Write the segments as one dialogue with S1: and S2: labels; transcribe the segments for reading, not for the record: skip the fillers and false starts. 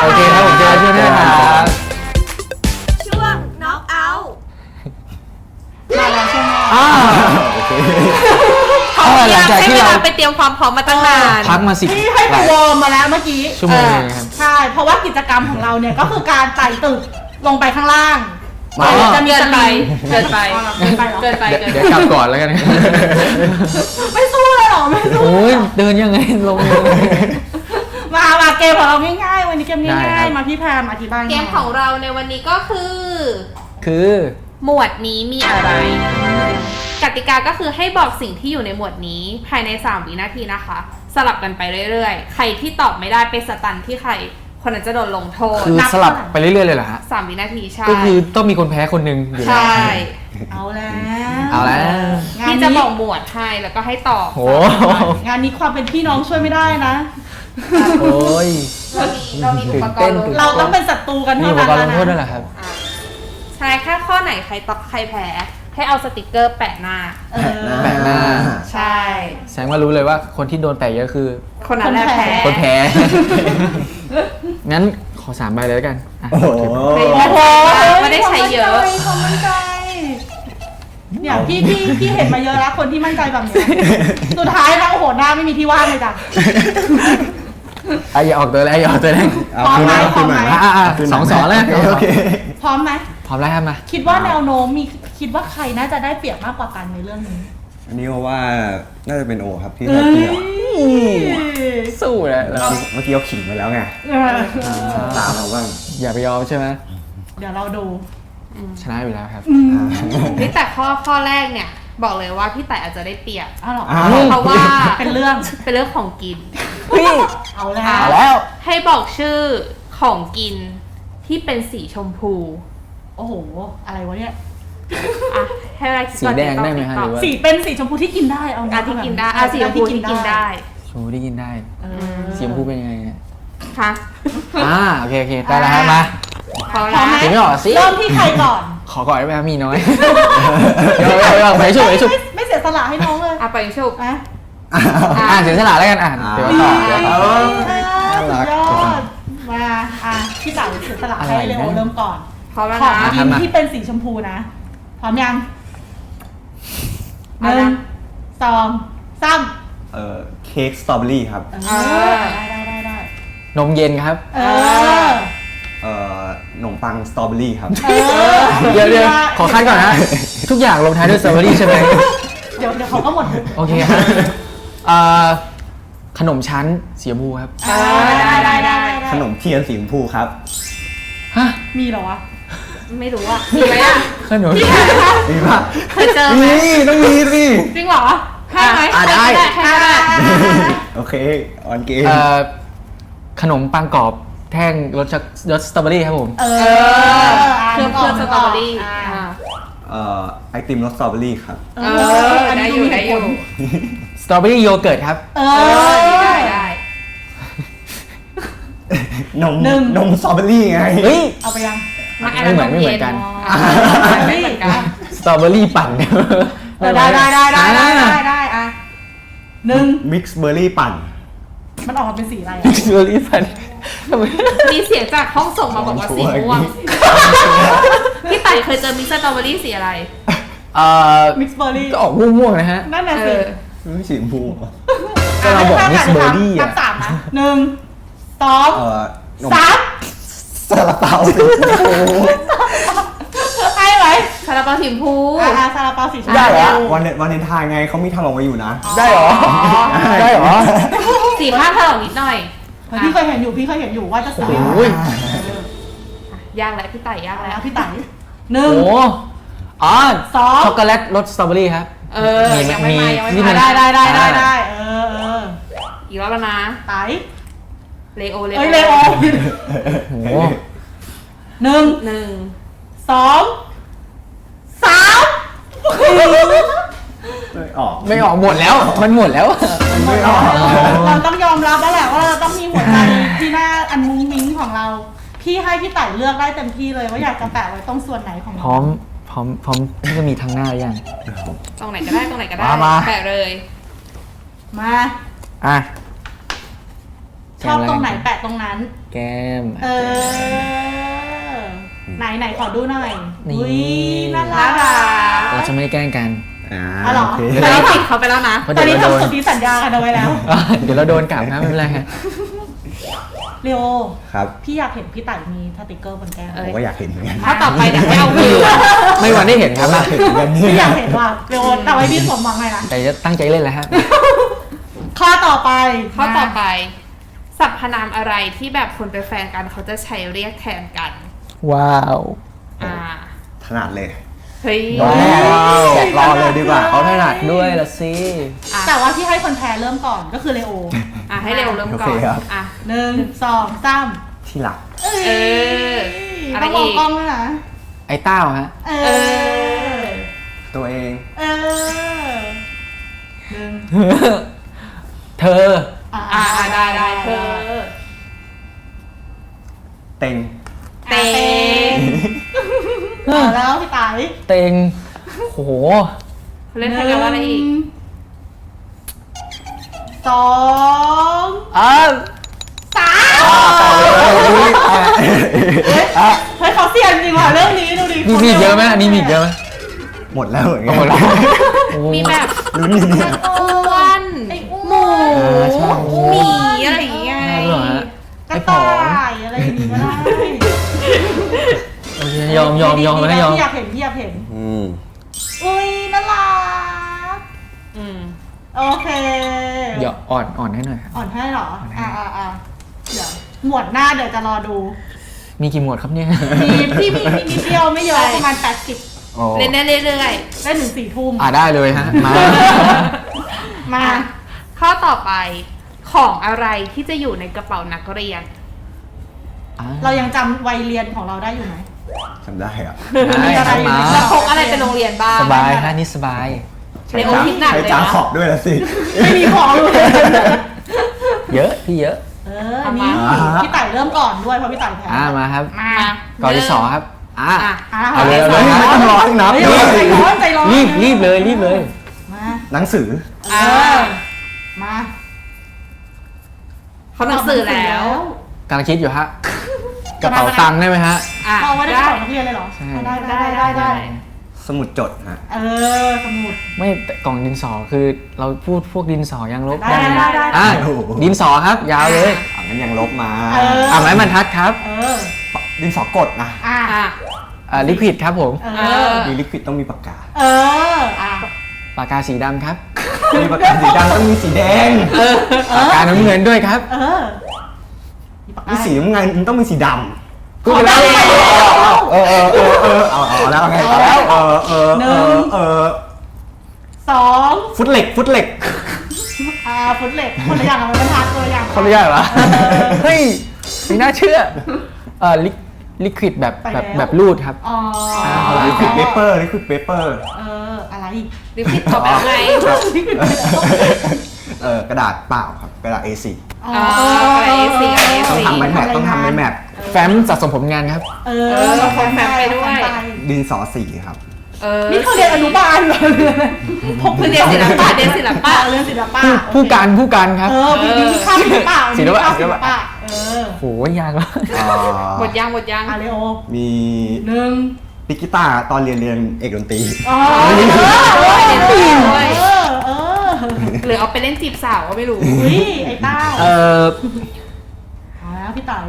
S1: โอเคครับผมเจอช่วงหน้าครับ
S2: ช่วง knock out
S3: มาแล้วใช่ไหม
S1: โอเค
S2: เขาอยากให้เวลาไปเตรียมความพร้อมมาตั้งนาน
S1: พักมา10
S3: พี่ให้ไปวอร์มมาแล้วเมื่อกี้
S1: ชั่วโมงนึงครับ
S3: ใช่ เพราะว่ากิจกรรมของเราเนี่ยก็คือการไต่ตึกลงไปข้างล่าง
S1: อ๋อ
S3: จะมี
S2: เกิ
S3: ส
S2: นไป
S3: ลิง
S2: เกินไป
S3: เกินไปเหรอ
S2: เกินไป
S1: เดี๋ยวกลับก่อนแล้วกัน
S3: ไม่สู้เลยเหรอไม่สู้
S1: โอ้ยเดินยังไงลงเลย
S3: มาเกมของเราง่ายๆวันนี้เกม
S1: ได้
S3: ง่า
S1: ครั
S3: ย
S1: บ
S3: ๆมาพี่แพมอธิบาย
S2: เกมของเราในวันนี้ก็คือ
S1: คือ
S2: หมวดนี้มีอะไร กติกาก็คือให้บอกสิ่งที่อยู่ในหมวดนี้ภายใน3วินาทีนะคะ สลับกันไปเรื่อยๆ ใครที่ตอบไม่ได้ไปสตันที่ใครคนนั้นจะโดนลงโทษ
S1: คือสลับไปเรื่อยๆเลยเหรอฮะ
S2: 3 วินาทีใช่
S1: ก็คือต้องมีคนแพ้คนหนึ่งอยู่แล้ว
S2: ใช่
S3: เอาแล้ว
S1: เอาแล้ว
S3: งาน
S2: พี่จะ
S3: นี้
S2: บอกหมวดให้แล้วก็ให้ตอบ
S1: โห
S3: งานนี้ความเป็นพี่น้องช่วยไม่ได้นะ
S1: โอ้ย
S2: เรามีอุปกรณ์ลงโทษ
S3: เราต้องเป็นศัตรูกัน
S1: มี
S3: เท่า
S1: อุป
S3: นั้น
S1: กรณ์ลงโทษด้วย
S3: นะ
S1: เหรอครับ
S2: อ่ะใช่แค่ข้อไหนใครตอบใครแพ้ให้เอาสติกเกอร์แปะหน้า
S3: เออ
S1: แปะหน้า
S2: ใช่
S1: แสดงว่ารู้เลยว่าคนที่โดนแปะเยอะคือ
S2: คนนั้นแหละแพ้
S1: คนแพ้ งั้นขอ3 ใบเลยแล้วกันอ่ะ
S4: โอ้โห
S3: โอ้โห
S2: ไม่ได้ใช้เยอะ
S3: ความมั่นใจเนี่ยพี่เห็นมาเยอะแล้วคนที่มั่นใจแบบนี้สุดท้ายนะโอ้โหหน้าไม่มีที่ว่างเลยจ้ะ
S1: อ่ะอย่าออกตัวแล้วอย่าออกตัวแล้ว
S4: เอา
S3: พร้อม
S4: คืน
S3: ไหม
S4: มาคืนมา
S3: พร้อมไหม
S1: อ่ะ
S4: คืนมา
S1: สองแล้ว
S4: โอเค
S3: พร้อมไหม
S1: พร้อมแล้วครับมา
S3: คิดว่าแนวโน้มคิดว่าใครน่าจะได้เปรียบมากกว่ากันในเรื่องนี้
S4: อันนี้เพราะว่าน่าจะเป็นโอครับที่ได้เปรียบ
S1: สู้แล้ว
S4: เมื่อกี้เขาขิงไปแล้วไง ตามเราบ้าง
S1: อย่าไปยอมใช่ไหม
S3: เดี๋ยวเราดู
S1: ชนะอยู่แล้วครับ
S2: นี่แต่ข้อแรกเนี่ย บอกเลยว่าพี่แต่อาจจะได้เปรียบ
S3: อ้าวเหรอ
S4: อ้าว
S2: เพราะว่า
S3: เป็นเรื่อง
S2: เป็นเรื่องของกิน
S3: เอาแล้ว
S1: เอาแล้ว
S2: ให้บอกชื่อของกินที่เป็นสีชมพู
S3: โอ้โห อะไรวะเนี่ย
S2: อ่ะให้เวลาคิด
S1: สี
S2: ก่อน
S1: แดงได้ไหมฮะ
S2: ต
S1: ห
S2: อบ
S1: รือว่า
S3: สีเป็นสีชมพูที่กินได้เอา
S2: อ่ะที่กินได้อ่ะสีชมพูที่กินได้
S1: ชมพูที่กินได้
S3: เออ
S1: สีชมพูเป็นยังไงเนี่ย
S2: ค่ะ
S1: โอเคได้แล้วครับมา
S2: พร้อม
S3: พร้อมไหม
S2: นะ
S1: ไม่ออกสิ
S3: เริ่มที่ใครก่อน
S1: ขอก่อนได้ไหมครับมีน้อยไปชุบ
S3: ไม่เสียสละให้น้องเลย
S2: อ่ะไปชุบ
S3: นะ
S1: เสียสละแล้วกันเดี๋ยวต่อเดี๋ยวต่อ
S3: สุดยอดมาพี่เต๋าเสียสละให้เลโอเริ่มก่อน
S2: พร้อมแล้ว
S3: ของ
S2: นะ
S3: กินที่เป็นสีชมพูนะ พร้อมยังหนึ่งสองสาม
S4: เค้กสตรอเบอรี่ครับ
S3: ได้
S1: นมเย็นครับ
S4: ขนมปังสตรอเบอรี่ครับ
S1: เดี๋ยวขอคัดก่อนนะทุกอย่างลงท้ายด้วยสตรอเบอรี่ใช่ไหม
S3: เดี๋ยวเขาก็หมด
S1: โอเคครับขนมชั้นสีชมพูครับ
S3: ได้
S4: ขนมเทียนสีชมพูครับ
S1: ฮะ
S3: มีเหรอวะ
S2: ไม่รู้อ่ะมีไหมอ่ะ
S1: ขนม
S4: มีปะ
S2: เคยเจอไหม
S4: นี่ต้องมีสิ
S3: จริงเหรอให้ไหม
S1: ได้
S2: ให้ก็ได้
S4: โอเค ออนเกม
S1: ขนมปังกรอบแท่งรสสตรอเบอรี่ครับผม
S2: เครื่องสตรอเบอรี่
S4: ไอติมรสสตรอเบอรี่ครับ
S2: ได้อยู่
S1: สตรอเบอรี่โยเกิร์ตครับ
S2: ได้
S4: นมสตรอเบอรี่ไง
S1: เฮ้ย
S3: เอาไปยัง
S1: ไม่เหมือนกัน
S2: ไม่เหมือนกัน
S1: สตรอเบอรี่ปั่น
S3: ได้หนึ่ง
S4: มิกซ์เบอร์รี่ปั่น
S3: มันออกมาเป็นสีอะไร
S1: สตรอเบอรี่ปั่นทำไม
S2: มีเสียงจากห้องส่งมาบอกว่าสีม่วงพี่ไต่เคยเจอมิกซ์สตรอเบอรี่สีอะไร
S3: มิกซ์เบอร์รี่
S1: ก็ออกม่วงๆนะฮะ
S3: นั่นน่ะสิ
S4: ไม่สีชมพูเหรอ
S1: ก็เราบอกมิกซ์เบอร์รี่
S3: นั
S1: อ่ะ
S3: บสามนะหนึ่งสอง
S4: นม
S3: สาม
S4: ซาลาเปาสีชมพู
S3: ให้ไหม
S2: ซาลาเปาสีชมพู
S3: ซาลาเปาสีชมพู
S1: ได้เหรอ
S4: วันเลนไทน์ไงเขามีทำออกมาอยู่นะ
S1: ได้เหรอ ได้เหรอ
S2: สีผ้าถลอกนิดหน่อย
S3: พี่เคยเห็นอยู่ว่าจะซื้อ
S1: โอ้ย
S2: ยากแล้วพี่ไต่ยาก
S3: แล้
S2: แล้ว ว
S3: พี่ไต่หนึ่ง
S1: โอ้อ๋อ
S3: สอง
S1: ช็อกโกแลตรสสตรอเบอรี่ครับ
S2: ยังไม่มายังไม่
S1: นี่มั
S2: มาน
S3: ได้
S2: อีกรอบแล้วนะ
S3: ไต่
S2: เลโอ
S3: เอ้ยเลโอ
S1: โอ้
S3: หนึ่ง
S2: 1
S3: สองสาม
S4: ไม่ออก
S1: ไม่ออกหมดแล้ว มันหมดแล้ว
S4: ไม่ออก
S3: เราต้องยอมรับแล้วแหละว่าเราต้องมีหัวใจที่หน้าอันมุ้งมิ้งของเรา พี่ให้พี่ไต่เลือกได้เต็มที่เลยว่าอยากจะแปะไว้ตรงส่วนไหนของ
S1: พร้อมที่จะมีทางหน้ายัง
S2: ตรงไหนก็ได้ตรงไหนก็ได้
S1: มา
S2: แปะเลย
S3: มา
S1: อ่ะ
S3: ชอบตรงไหนแปะตรงนั้น
S1: แก้ม
S3: ไหนขอดูหน่อย
S1: นี่
S3: อุ้ยน่า
S2: น่า
S3: รั
S2: รั
S3: ก
S2: ก
S1: เราจะไม่แกล้งกัน
S3: อ๋อเหรอ
S4: โอเค
S2: ตอนนี้ปิดเขาไปแล้วนะ
S1: เพราะ
S3: ตอ
S1: เดี๋
S3: น
S1: ยว
S3: นี้
S1: เราโดน
S3: ทำสนธิสัญญากันเอาไว้แล้ว
S1: เดี๋ยวเราโดนกลับนะไม่เป็นไรฮะ
S3: เรียว
S4: ครับ
S3: พี่อยากเห็นพี่ไต่มีสติกเกอร์บนแก้ม
S2: เอ้
S4: ผม
S2: ย
S4: ก็อยากเห็นเหมือนกัน
S2: ถ้าต่อไปเดี๋ยวให้เอาคืน
S1: ไม่วันได้เห็นครับ
S4: อยากเห็นเหมือนกันเนี่
S3: พี่อยาก
S4: ย
S3: เห็นว่าเรียวแต่ไว้พี่สมหวังหน่อยนะ
S1: แต่จะตั้งใจเล่นแล้วฮะ
S3: ข้อต่อไป
S2: ข้อต่อไปสรรพนามอะไรที่แบบคนเป็นแฟนกันเขาจะใช้เรียกแทนกัน
S1: ว้าว
S2: อ่า
S4: ถนัดเลย
S2: เฮ้ย
S1: ว้าว
S4: แกะรอเลยดีกว่า
S1: เขาถนัดด้วยละสิ
S2: อ่ะ
S3: แต่ว่าพี่ให้คนแพ้เริ่มก่อนก็คือเลโอ
S2: อ่ะให้เร็วเริ่มก่อ
S4: โอน เคครับ
S2: อ่ะ
S3: 1 2 3
S4: ที่หลัก
S2: เอออะไร
S3: ต้องมอง
S2: อีก
S3: กล้องด้วยนะ
S1: ไอ้เต้าฮะ
S3: เอ
S2: เอ
S3: อ
S4: ตัวเอง
S3: เออหนึ่ง
S1: เธอ
S2: อ่าได้เธอ
S4: เต็ง
S2: เต็ง
S3: เอาแล้วพี่ไต่
S1: เต็งโห
S2: เล่นแทนกันว่าอะไรอีก
S3: 1 2
S1: อ้าว
S3: เฮ้ยเขาเสี่ยงจริงว่ะเรื่องนี้ดูดิ
S1: มีอีกเยอะไหมอันนี้มีอีกเยอะไหม
S4: หมดแล้วเหมือนกัน
S1: หมดแล้วโอ้
S2: มีแบบ
S4: ลุ้นอยู่เนี่ย
S2: อ้วน
S3: ไอ้อ้
S2: ห
S3: ว
S2: มู
S3: น
S1: ใช่
S2: หมีอะไรอย่างเงี้ย
S1: น่าเบื่อฮะ
S3: กระต่ายอะไรอย่างงี้ก็ได้
S1: โอเคยอมนะยอม
S3: พี่อยากเห็น
S4: อืม
S3: อุ้ยน่ารัก
S2: อืม
S3: โอเค
S1: เดี๋ยวอ่อนให้หน่อยครับ
S3: อ่อนให้เหรอ
S1: อ่อนให้
S3: อ่าเดี๋ยวหมวดหน้าเดี๋ยวจะรอดู
S1: มีกี่หมวดครับเนี่ย
S3: พี่มีนิดเดียวไม่เยอะประมาณ80
S1: โอ้
S2: เล่นได้เรื่อย
S3: ได้ถึง4 ทุ่ม
S1: ได้เลยฮะ มา
S2: ๆ
S3: มา
S2: ข้อต่อไปของอะไรที่จะอยู่ในกระเป๋านักเรียน
S3: เรายังจำวัยเรียนของเราได้อยู่ไหม
S4: จำได้อะ
S1: ได้ครับมา
S2: แล้วพกอะไรไปโรงเรียนบ้าง
S1: สบายฮะนี่สบาย
S2: เลโอคิดหนัก
S4: ใช้
S2: เลย
S4: จาน
S2: นะ
S4: ขอบด้วยละสิ
S3: ไม่มีของเลย
S1: เยอะพี่เยอะ
S3: อันนี้พี่ไต่เริ่มก่อนด้วยเพราะพี่ไต่แพ้
S1: มาครับ
S2: มา
S1: ก่อนที่สองครับ
S2: อ่ะ
S1: เอาเลย
S4: เฮ้ยไม่ต้องรอให้นับ
S3: เฮ้ยใจร้อน
S1: รีบเลย
S3: มา
S4: หนังสือ
S3: มา
S2: เขาหนังสือแล้ว
S1: กำลังคิดอยู่ฮะ กระเป๋าตังค์ได้ไหมฮะ
S2: อ่ะ
S3: เอาไว้ในกระเป๋านักเรียนเลยเหรอ
S1: ใช่
S3: ได้
S4: สมุดจดฮะ
S3: สมุด
S1: ไม่แต่กล่องดินสอคือเราพูดพวกดินสอยางลบ
S3: ได้
S1: ไหม
S3: ได้
S1: อ่ะดินสอครับ ยาวเลย
S4: งั้นยังลบมา
S1: ไม้บรรทัดครับ
S4: ดินสอกดนะ
S2: อ่ะ
S1: ลิควิดครับผม
S4: มีลิควิดต้องมีปากกา
S1: ปากกาสีดำครับ
S4: มีปากกาสีดำต้องมีสีแดง
S1: ปากกาน้ำเงินด้วยครับ
S4: มีสีน้ำเงินต้องมีสีดำ
S1: พูดไปแล้ว
S4: เอาแล้วไง
S3: เอาแล้ว 2
S4: ฟุตเหล็ก
S3: ฟุตเหล็กคนละอย่างกับมันบรรทัดคนละอย่าง
S1: เขาไม่ได้เหรอเฮ้ยไม่น่าเชื่อลิควิดแบบรูดครับ
S4: ลิควิดเปเปอร์
S3: อะไร
S2: ลิขิตตอบแบบไง
S4: กระดาษเปล่าครับกระดาษ A4
S2: อะไร A4
S4: ต้องทำไม้แมทต้องทำไม้แมท
S1: แฟ้มสะสมผลงานครับ
S4: ดินสอสีครับ
S3: นี่เขาเรียนอนุบาลเหรอ
S2: คือเรียนศิลปะเรียนศิลปะ
S3: เรียนศิลปะ
S1: ผู้การครับ
S3: พี่ข้ามศิลปะ
S1: ศิลปะ
S3: ศิลปะ
S1: โหยากแล้ว
S2: หมดยัง
S3: เลโอ
S4: มี
S3: 1
S4: ปิกกีตาร์ตอนเรียนเอกดนตรี
S2: หรือเอาไปเล่นจีบสาวก็ไม่รู้
S3: ไอ้เต้า แล้วพี่ไต่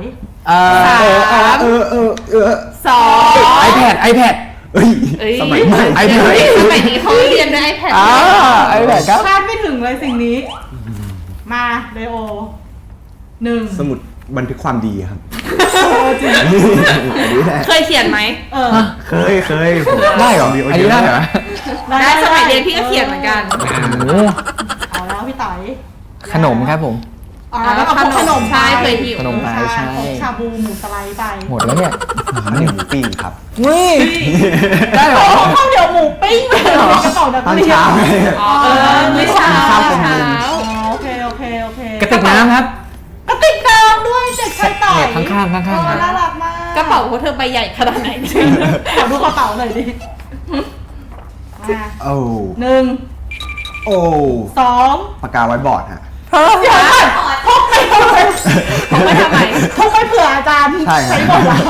S2: 2
S1: iPad
S4: สมัยใหม่
S1: iPad
S2: สมัยนี้เขาเรียนด้วย iPad
S1: iPad ครับ
S3: คาดไม่ถึงเลยสิ่งนี้ มาเลโอ 1
S4: สมุดบันทึกความดีครับ
S3: จริง
S2: เคยเขียนไหม
S4: เคย
S1: ได้เหรอ อันนี้ได้เหรอ
S2: ได้สมัยเรียนพี่ก็เขียนเหมือนกัน
S3: เอาแล้วพี่ไต่
S1: ขนมครับผม
S3: แล้วก็ขนม
S2: ใช่เคยหิว
S1: ขนมไปใช่
S3: ชาบูหมูสไลด์ไป
S1: หมดแล้วเนี่ย
S4: หนึ่งปิ้งครับ
S1: นี่ได้เหรอ
S3: ข้าวเหนียวหมูปิ้งไปในกระเป๋านัก
S4: ตอน
S3: เรียน
S4: เช้า
S2: ไม่เช้า
S3: โอเค
S1: กระติกน้ำครับ
S3: กระติกน้ำด้วยเด็กชายไต่
S1: ข้างๆครับ
S3: น่ารักมาก
S2: กระเป๋าพวกเธอใบใหญ่ขนาดไหน
S3: ขอดูกระเป๋าหน่อยดิมา
S4: โอ้
S3: 1
S4: โอ้
S3: 2
S4: ปากกาไว้บอร์ดฮะ
S3: เดี๋ยวก่อนพกไปทำไม
S2: เขาไม่ทำไม
S3: ทุกไม่เผื่ออาจารย์
S4: ใช่ครับ
S3: หมดแล้ว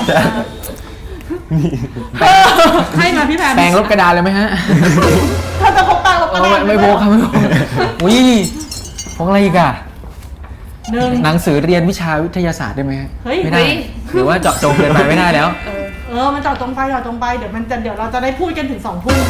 S3: ให้มาพี่แพม
S1: แปรงลบกระดาษเลยไหมฮะ
S3: เธอจะพกแปรงลบกระดาษ
S1: ไม่พกครับไม่พกอุ้ยพกอะไรอีกอะ
S3: หนึ่ง
S1: หนังสือเรียนวิชาวิทยาศาสตร์ได้ไหมฮะ
S3: เฮ้ย
S1: ไม่ได้หรือว่าเจาะจงเกินไปไม่ได้แล้ว
S3: มันเจาะตรงไปเดี๋ยวเราจะได้พูดกันถึง2 ทุ่มนะ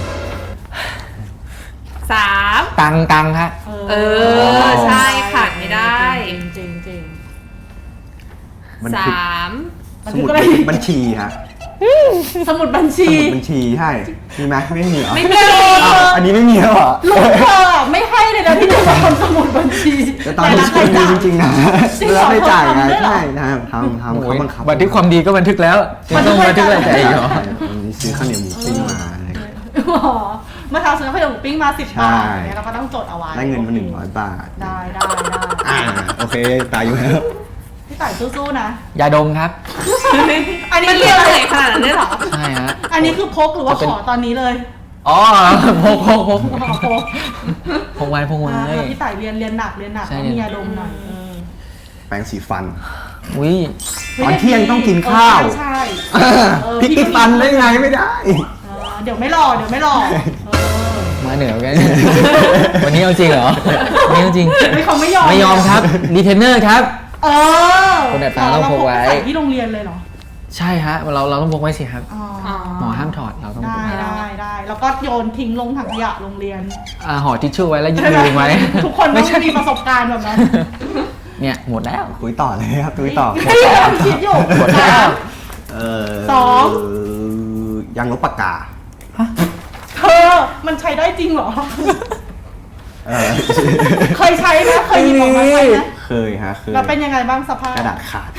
S2: 3
S1: ตังฮะ
S2: ใช่ขาดไม่ได้
S3: จริง
S4: มันคือ
S2: 3
S4: สมุดบัญชีฮะ
S3: สมุดบัญชี
S4: สมุดบัญชีใช่มีไหมไม่มีเหรอ
S2: ไม่มี
S4: อ้าวอันนี้ไม่มีแล้วเหรอ
S3: ลูกเธอไม่ให้เลยนะที่จะมาทำสมุดบัญชี
S4: แต่ตอนนี้คุณมีจริงๆนะ
S3: จริงเหรอ
S4: แล้วไม่จ่ายไง
S3: ทำด้วยเหรอ
S4: ใช่นะครับทำเขาบังคับ
S1: บันทึกความดีก็บันทึกแล้วยังต้องบันทึกอะไรใจอีกเหรอ
S4: วันนี้ซื้อข้าวเหนียวหมูปิ้งมาอะไรอย่างเงี้ย
S3: เมื่อเช้าซื้อข้าวเหนียวหมูปิ้งมา10 บาท
S4: ใช่
S3: เนี่ยเราก็ต้องจดเอาไว้
S4: ได้เงินมา100 บาท
S3: ได้
S4: โอเคตายอยู่แล้ว
S3: พี่ต่ายสู้ๆนะ
S1: ยาดมครับ
S3: อันนี้
S2: มัน
S3: เรี
S2: เรี
S3: ย
S2: ย
S3: ก
S2: ก
S3: อะ
S2: อะไร ไรขนาดนั้นได้หรอ
S1: ใช่ฮะ
S3: อันนี้คือพกหรือว่าขอตอนนี้เลย
S1: อ๋อพก
S3: พก
S1: พกไว้
S3: พี่ต่ายเรียนหนัก
S1: ใช่
S3: ต้องมียาดมหน่อย
S4: แปรงสีฟัน
S1: อุ้ย
S4: ตอนเที่ยงต้องกินข้าว
S3: ใช่
S4: พริกติดฟันได้ไงไม่ได้
S3: เดี๋ยวไม่หล่อ
S1: มาเหนือกัน วันนี้เอาจริงเหรอวันนี้เอาจริง
S3: เขาไม่ยอม
S1: ไม่ยอมครับรีเทนเนอร์ครับ คนดัดฟ้าต้องพกไว้
S3: ใส่ที่โรงเรียนเลยเหรอ
S1: ใช่ฮะเราต้องพกไว้สิครับ
S3: อ๋อ
S1: หมอห้ามถอดเราต้องพกไว้
S3: ได้แล้วก็โยนทิ้งลงถังขยะโรงเรียน
S1: ห่อทิชชู่ไว้แล้วยืนไว้
S3: ทุกคนต้องมีประสบการณ์แบบนั้น
S1: เนี่ยหมดแล้ว
S4: คุยต่อเลยครับคุยต่อ
S3: พยายามคิดอยู่
S1: หมดแล้ว
S3: สอง
S4: ยางลบปากกา
S3: เธอมันใช้ได้จริงเหรอ
S4: เออ
S3: เคยใช้ไหมเคยหยิบออกมาใช้ไหม
S4: เคยฮะเคย
S3: แล้วเป็นยังไงบ้างสภาพ
S4: กระดาษขาด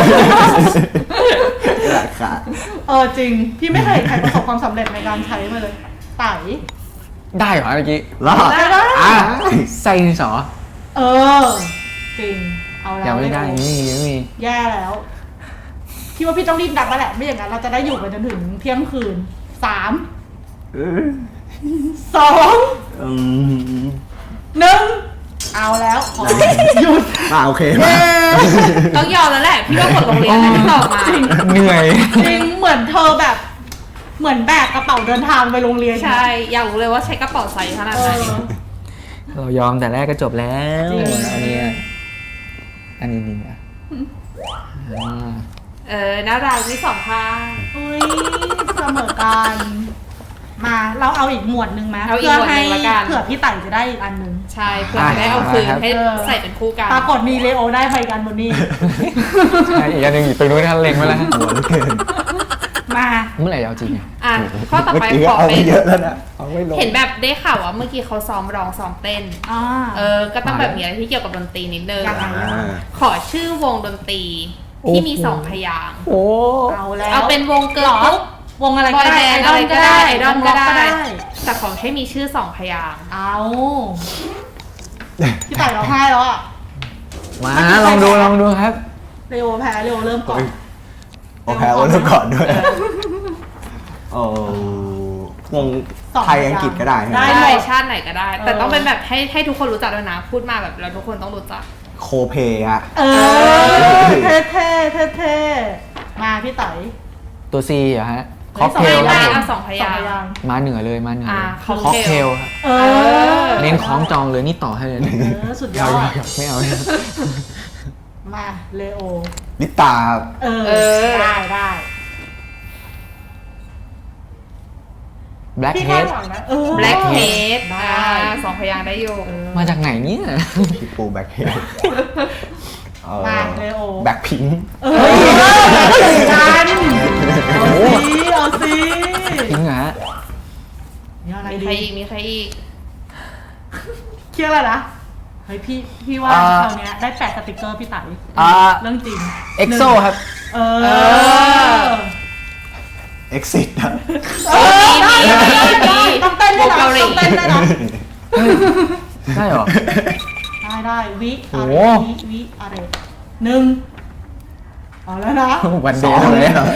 S4: กระดาษขาด
S3: จริง พี่ไม่เคยเห็นใครประสบความสำเร็จในการใช้มาเลยไต่
S1: ได้เหรอเมื่อกี้
S4: รอด
S3: ได้
S1: ใส่ดินสอ
S3: จริงเอาแล้ว
S1: ยังไม่ได้ไม่มี
S3: แย่แล้วพี่ว่าพี่ต้องรีบดับแล้วแหละไม่อย่างนั้นเราจะได้อยู่กันจนถึงเที่ยงคืน 3
S4: เออ
S3: 2
S4: อืม
S3: 1เอาแล้วขอหยุด
S4: โอเคมา
S2: ต้องยอมแล้วแหละ พี่ว่าหมดโรงเรียนแล้วที่ตอบมา
S1: เหนื่อย
S3: จริงเหมือนเธอแบบเหมือนแบกกระเป๋าเดินทางไปโรงเรียน
S2: ใช่ อยากรู้เลยว่าใช้กระเป๋าไซส์ขนาดไหน
S1: เรายอมแต่แรกก็จบแล้ว
S3: จริง
S1: อันนี้ดีอ่ะ
S2: น่ารักที่2 ข้าง
S3: อุ้ยเสมอกันมาเราเอาอีกหมวดหนึ่งไหม
S2: เอาอีกหมวดหนึ่งละกัน
S3: เผื่อพี่ไต่จะได้อีกอันหนึ่ง
S2: ใช่เพื่อจะได้เอาคืนให้ใส่เป็นคู่กัน
S3: ปรากฏมีเลโอได้ไปกันบนนี้
S1: ใช่อีกอันหนึ่งอยู่ตรงนู้นท่านเล็งไว้แล้ว
S4: หัวเหลือเกิน
S3: มา
S1: เมื่อไหร่จะเอาจริงอ่ะ
S2: ข้อต่อไป
S4: เมื่กี้
S2: ขอ
S4: เอา
S2: เป็
S4: ไป
S2: น
S4: เยอะแล้วนะเอาไม่ลง
S2: เห็นแบบได้ข่าวว่าเมื่อกี้เขาซ้อมร้องซ้อมเต้น ก็ต้องแบบมีอะไรที่เกี่ยวกับดนตรีนิดนึง
S3: ยังไง
S2: ขอชื่อวงดนตรีที่มี2 พยางค์
S1: โอ้
S3: เอาแล้ว
S2: เอาเป็นวงเกิร์ลกรุ๊ป
S3: วงอะไร
S2: บอยแบนด์อะไรก็ได้ไอดอลก็ได้
S3: วงร็อก
S2: แต่ขอให้มีชื่อ2 พยางค์
S3: เอาพี่ไต่ร้องไห้แล้วอ่ะ
S1: มาลองดูครับ
S3: เลโอแพ้เลโอเริ่มก่อน
S4: โอเคเอาเริ่มก่อนด้วยโอ้วงไทยอังกฤษก็ได้ใช่ไหม
S3: ได้
S2: ได้ชาติไหนก็ได้ แต่ต้องเป็นแบบให้ทุกคนรู้จักด้วยนะ พูดมาแบบแล้วทุกคนต้องรู้จัก
S4: โคเพฮะ
S3: เท่มาพี่ไต่
S1: ตัว C เหรอฮะค็อกเทล
S2: ได้
S1: ครับ
S2: เอา2 พยางค์
S1: มาเหนือเลยมาเหนือเลย
S2: ค็อก
S1: ค็อก
S2: เท
S1: เท
S2: ล
S1: ลครับ
S3: อ
S1: เน้นคล้องจองเลยนี่ต่อให้เลย
S3: สุดยอด
S1: ไม่เอา
S3: มาเลโอ
S4: ลิตาครับ
S3: ได้
S1: แบล็ค
S3: พี่
S1: เฮ
S3: คาด
S1: ด
S3: หวังนะ
S2: Blackhead
S3: ได้
S2: 2 พยางค์ได้อยู่
S1: มาจากไหนเนี่ย
S4: พี่ปูแบ็คเฮด
S3: มาเลโอ
S4: แบ็คพิงค์
S3: กันเอาสิ
S1: จริงเหรอฮะ
S3: ยังไง
S2: มี
S3: ดี
S2: ใครอีก มีใครอีก
S3: เครียดอะไรนะเฮ้ยพี่ว่าคราวเนี้ยได้แปะสติกเกอร์พี่ไต่เรื่องจริง
S1: เอ็กโซครับ
S4: เอ็กซิสอะ
S3: ต้องเต้นด้วยนะต้องเต้นด้วยนะ
S1: ใช่เหรอ
S3: ได้วิ
S1: โอ้
S3: อะไร
S1: โห
S3: วิอะไร1เอาแล้วนะ
S1: วันเดย์เลย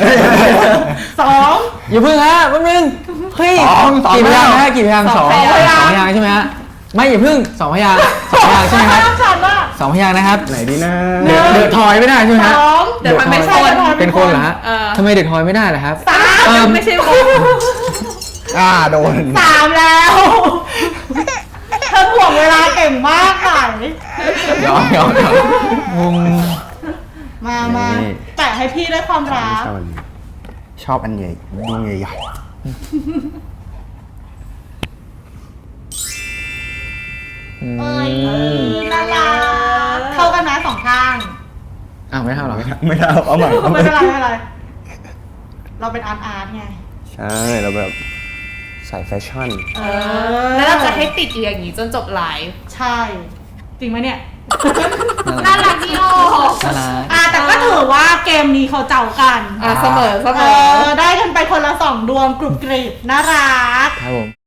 S3: 2
S1: อย่าเพิ่งฮะแป๊บนึงเฮ้ย
S4: สอง
S1: กี่พยางค์ฮะกี่พยางค์
S2: ส
S1: ส
S2: อ
S1: อง ง
S2: พยางค์
S1: พยางค์ใช่ไหมฮะไม่อย่าเพิ่ง2 พยางค์2 พยางค์ใช่ไหมครับ
S3: ชันว่า
S1: 2 พยางค์นะครับ
S4: ไหนดีนะ
S3: หนึ่ง
S1: เดอะทอยไม่ได้ใช่ไหม
S3: ส
S1: ฮะ
S3: อง
S2: เดี๋ยวมันไม่
S3: ใช่
S2: คน
S1: เป็นคนเหรอฮะ
S2: เออ
S1: ทำไมเดอะทอยไม่ได้ล่ะครับ
S3: สาม
S1: เออ
S2: ไม่ใช่วง
S4: โดน
S3: สามแล้วเธอถ่วงเวลาเก่งมากค่ะ
S1: ยอมวง
S3: มาแปะให้พี่ด้วยความรัก
S4: ชอบอันใหญ่ดวงใหญ่
S3: เอ้ยน่ารักเข้ากันนะสองข้าง
S1: อ้าวไม่เท่าหรอ
S4: ๆไม่ได้เอาใหม่เอาให
S3: ไม่
S4: ม่
S3: เป็นไรไม่เป็นไร เราเป็นอาร์ตไง
S4: ใช่เราแบบใส่แฟชั่น
S2: แล้วเราจะให้ติดอยู่อย่างนี้จนจบไลฟ์
S3: ใช่ จริงไหมเนี่ย
S2: น่ารักดีโอ
S1: น่ารัก
S3: แต่ก็ถือว่าเกมนี้เขาเจ้ากัน
S2: เสมอ
S3: ได้กันไปคนละ2 ดวงกรุบกริบน่ารัก
S1: ครับผม